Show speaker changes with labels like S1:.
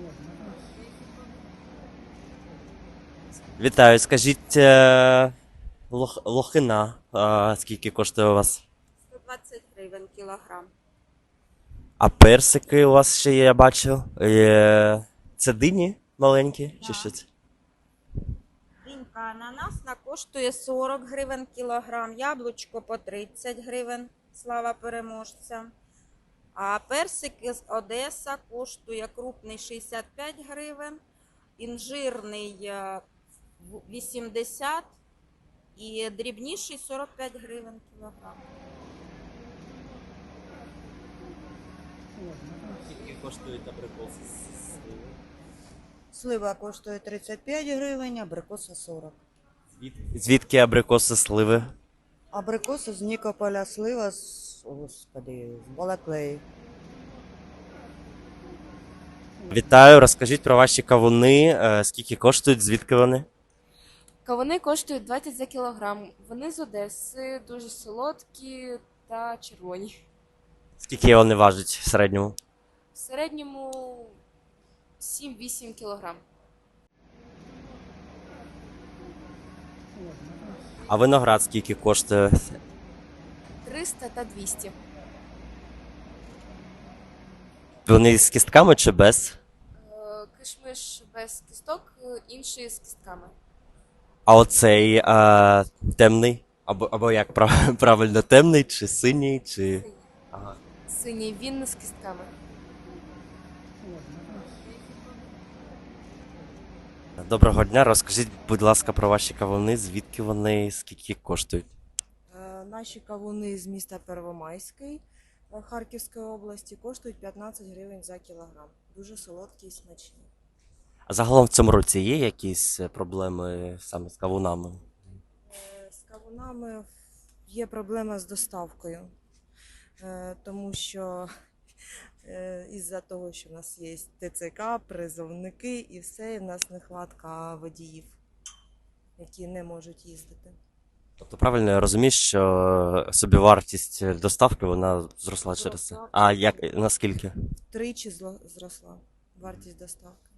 S1: Вітаю, скажіть, лохина, скільки коштує у вас?
S2: 120 гривень кілограм.
S1: А персики у вас ще є, я бачив. Це дині маленькі, чи
S2: Да.
S1: що це?
S2: Динька ананасна коштує 40 гривень кілограм, яблучко по 30 гривень, слава переможцям. А персики з Одеса коштує крупний 65 гривень, інжирний 80 і дрібніший 45 гривень кілограм.
S1: Скільки коштують абрикоси з сливи?
S3: Слива коштує 35 гривень, абрикоса 40.
S1: Звідки абрикоси сливи?
S3: Абрикоса з Нікополя, слива з, господи, з Балаклеї.
S1: Вітаю, розкажіть про ваші кавуни, скільки коштують, звідки вони?
S4: Кавуни коштують 20 за кілограм. Вони з Одеси, дуже солодкі та червоні.
S1: Скільки вони важать в середньому?
S4: В середньому 7-8 кілограм.
S1: А виноград скільки коштує?
S4: 300 та 200.
S1: Вони з кістками чи без?
S4: Кишмиш без кісток, інший з кістками.
S1: А оцей темний? Або як правильно, темний, чи синій, чи. Ага.
S4: Синій, він з кістками.
S1: Доброго дня, розкажіть, будь ласка, про ваші кавуни, звідки вони, скільки коштують?
S5: Наші кавуни з міста Первомайський Харківської області коштують 15 гривень за кілограм. Дуже солодкі і смачні.
S1: А загалом в цьому році є якісь проблеми саме з кавунами?
S5: З кавунами є проблема з доставкою, тому що із-за того, що в нас є ТЦК, призовники і все, і в нас нехватка водіїв, які не можуть їздити.
S1: Тобто правильно я розумію, що собівартість доставки вона зросла через це.
S5: Зросла.
S1: А як наскільки?
S5: Втричі зросла вартість доставки.